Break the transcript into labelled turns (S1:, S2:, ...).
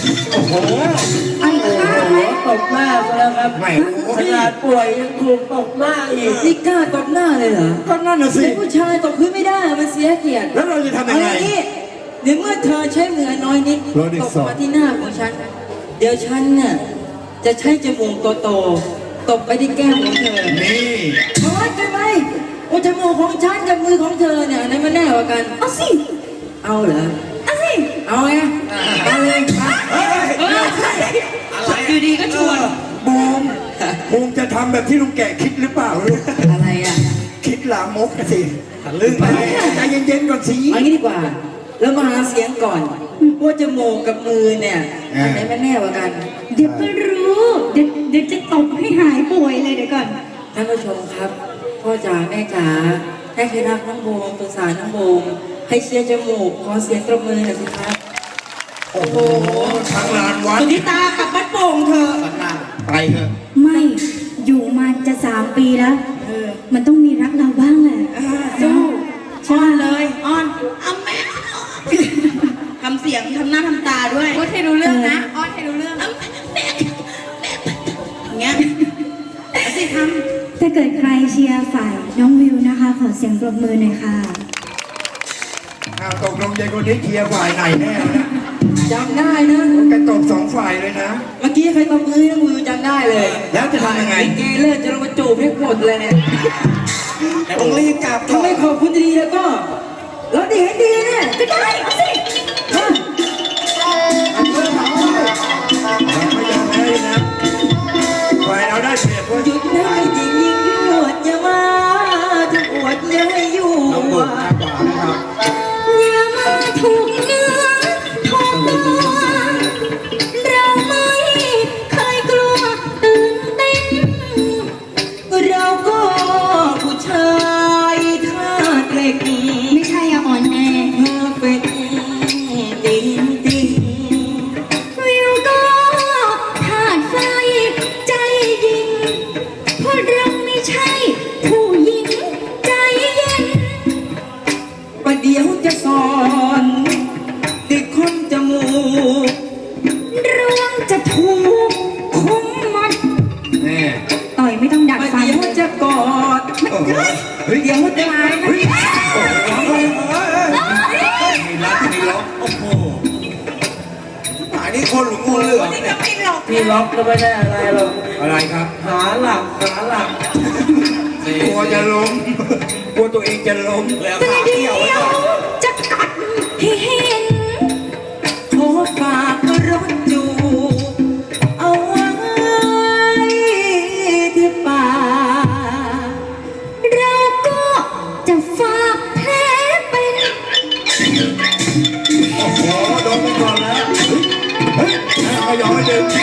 S1: โอ้โห
S2: ไอ้ข้าไหม
S3: ตบหน้าซะแล้วครับ
S1: ไม่
S3: ขนาดป่วยยังถูกตบหน้าอีก
S2: นี่กล้าตบหน้าเลยเหรอ
S1: ก็นั่นน่ะสิ
S2: เป็นผู้ชายตบพื้นไม่ได้มันเสียเกียรติ
S1: แล้วเราจะทำยั
S2: เอา
S1: ง
S2: อ
S1: ไง
S2: ย่างนี้เดี๋ยวเมื่อเธอใช้มือน้อยนิด
S1: โรดิ
S2: ต
S1: ส
S2: บ
S1: อง
S2: มาที่หน้าของฉัน เดี๋ยวฉันเนี่ยจะใช้จมูกโตๆตบไปที่แก้มของเธอ
S1: นี่
S2: โอ๊ยกันไหมโอ้จมูกของฉันกับมือของเธอเนี่ยอันไหนมันแน่กว่ากัน เอาสิ เอาเหรอ เอาสิ เอาไงเอาเลยไป
S1: เฮ้ย
S3: อะไร
S2: อยู่ดีก็ชวน
S1: บูมจะทำแบบที่ลุงแกคิดหรือเปล่าลูก
S2: อะไรอ่ะ
S1: คิดลามกนะสิ
S3: ทะลึ่งไป
S1: ใจเย็นๆก่อนสิ
S2: เอางี้ดีกว่า แล้วมาหาเสียงก่อนว่าจมูกกับมือเนี่ยอันไหนมันแน่กว่ากัน
S4: เดี๋ยวก็รู้ เดี๋ยวจะตบให้หายป่วยเลยเดี๋ยวก่อน
S2: ท่านผู้ชมครับ พ่อจ๋าแม่จ๋าให้ใครรักน้องโบมสงสารน้องโบมให้เชียร์จมูกขอเสียงตบมือหน่อยสิครับ
S1: โอ้โหทางลานวัด
S2: สุนิตากับบ้านโป่งเธอ
S1: ไปเถอะ
S4: ไม่อยู่มาจะ3 ปีแล้ว มันต้องมีรักเราบ้างแหละ
S2: สู้
S4: ใช่
S2: เลยอ้อนอ้ำแม่ทำเสียงทำหน้าทำตาด้วยพูดให้รู้เรื่องนะอ้อนให้รู้เรื่องอย่างเงี้ยเอาสิท
S4: ถ้าเกิดใครเชียร์ฝ่ายน้องวิวนะคะ ขอเสียงปรบมือหน่อยค่ะ
S1: อ้าวตกลงใจคนนี้เคลียร์ฝ่ายไหนแน่วะนะ
S2: ำจำได้นะ
S1: แกตบ2 ฝ่ายเลยนะ
S2: เมื่อกี้ใครตบมือน้องวิวจำได้เลย
S1: แล้วจะทำยังไง
S2: เกเลิศจะลงมาจูบให้หมดเลยเนี่ย
S1: แต่ต้องรีบกลับ
S2: ถ้าไม่ขอบคุณดีแล้วก็เราดีให้ดีเนี่ยก็ได้เอาสิฮะ
S1: เราไม่ยอมแพ้นะฝ่ายเราได้เปรียบเว้ย
S2: หยุดได้จริงยิ่งยวดอย่ามาถ้าอวดอย่าให้อยู่
S1: น้องบุญมากกว่านะครับ
S4: อย่ามาถูกเนื้อถูกตัวเราไม่เคยกลัวตื่นเต้น
S2: เราก็ผู้ชายธาตุเหล็ก
S4: ไม่ใช่อะอ่อนแอ
S2: เป็นจริงจริง
S4: วิวก็ธาตุไฟใจยิงเพราะเราไม่ใช่ผู้หญิงใจเย็น
S2: ประเดี๋ยวจะสอนติดคนจมูก
S4: รวงจะถูกคุมมัด
S1: แน่
S4: ต่อยไม่ต้องดัก
S2: ประ
S4: ฟัน
S2: เดี๋ยวจะกอด
S1: โอ้โหเฮ้ย
S2: เดี๋ยวจะหายนะ
S1: โอ้โหมีรักมีล็อกโอ้โหหายนี่คนหรืองูเหลือมเนี่ย
S3: พี่ล็อกก็ไม่ได้อะไรหรอก
S1: อะไรครับ
S3: ขาหลักขาหลัก
S1: กลัวจะล้มกลัวตัวเองจะล้มแล้ว
S4: แต่เดียวจะกัดให้เห็น
S2: ขอฝากรถจูเอาไว้ที่ป่า
S4: เราก็จะฝากแผลเป็น
S1: โอ้โหโดนไปก่อนแล้วเฮ้ยไม่ยอมให้ดึง